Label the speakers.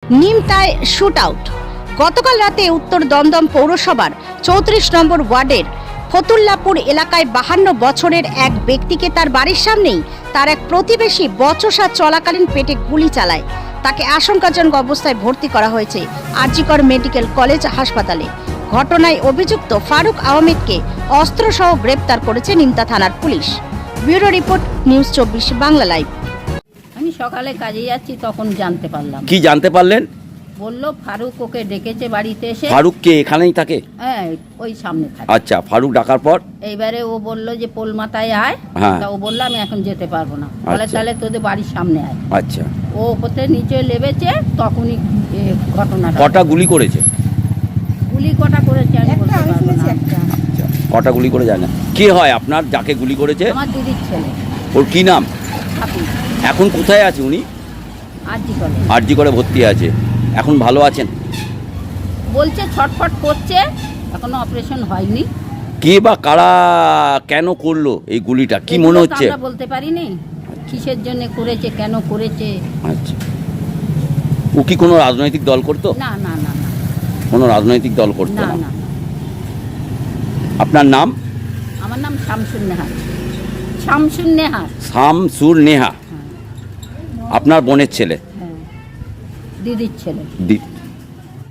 Speaker 1: নিমতায় shoot out. গতকাল রাতে উত্তর দমদম পৌরসভার 34 নম্বর ওয়ার্ডের ফতুল্লাপুর এলাকায় 52 বছরের এক ব্যক্তিকে তার বাড়ির সামনেই তার এক প্রতিবেশী বচসা চলাকালীন পেটে গুলি চালায়। তাকে আশঙ্কাজনক অবস্থায় ভর্তি করা হয়েছে আরজিকর মেডিকেল কলেজ হাসপাতালে। ঘটনায় অভিযুক্ত ফারুক আহমেদকে অস্ত্রসহ গ্রেপ্তার করেছে নিমতা থানার police. Bureau report, news 24 Bangla live.
Speaker 2: আমি সকালে কাজে যাচ্ছি, তখন জানতে পারলাম।
Speaker 3: কি জানতে পারলেন?
Speaker 2: বললো ফারুক ওকে ডেকেছে বাড়িতে এসে।
Speaker 3: ফারুক কে এখানেই থাকে?
Speaker 2: হ্যাঁ, ওই সামনে থাকে।
Speaker 3: আচ্ছা, ফারুক ডাকার পর
Speaker 2: এইবারে ও বললো যে পোল মাথায় আয়।
Speaker 3: হ্যাঁ।
Speaker 2: তা ও বললো আমি এখন যেতে পারবো না। বলে
Speaker 3: আচ্ছা।
Speaker 2: তাহলে তোদের বাড়ির সামনে আয়।
Speaker 3: আচ্ছা,
Speaker 2: ও ওপরে নিচে লেবেছে, তখনই ঘটনাটা।
Speaker 3: কটা গুলি করেছে?
Speaker 2: গুলি কটা করেছে আমি বলতে পারবো না।
Speaker 3: আচ্ছা, কটা গুলি করে যায় না? কে হয় আপনার যাকে গুলি করেছে?
Speaker 2: আমার দিদির ছেলে
Speaker 3: ওর কি নাম?
Speaker 2: হাফিজ।
Speaker 3: এখন কোথায় আছে উনি?
Speaker 2: আরজিকরে
Speaker 3: আরজি করে ভর্তি আছে। এখন ভালো আছেন?
Speaker 2: বলছে ছটফট করছে, এখনো অপারেশন হয়নি।
Speaker 3: কে বা কারা কেন করলো এই গুলিটা, কি
Speaker 2: এগুলো
Speaker 3: মনে
Speaker 2: তো
Speaker 3: হচ্ছে?
Speaker 2: আমরা বলতে পারিনি কিসের জন্য করেছে, কেন করেছে।
Speaker 3: আচ্ছা, ও কি কোনো রাজনৈতিক দল করতো?
Speaker 2: না না না না
Speaker 3: কোনো রাজনৈতিক দল করতো
Speaker 2: না
Speaker 3: না।
Speaker 2: না।
Speaker 3: আপনার নাম?
Speaker 2: আমার নাম শামসুন নেহার। শামসুন নেহার।
Speaker 3: শামসুর নেহা।
Speaker 2: হ্যাঁ
Speaker 3: আপনার বোনের ছেলে?
Speaker 2: হ্যাঁ, দিদির ছেলে।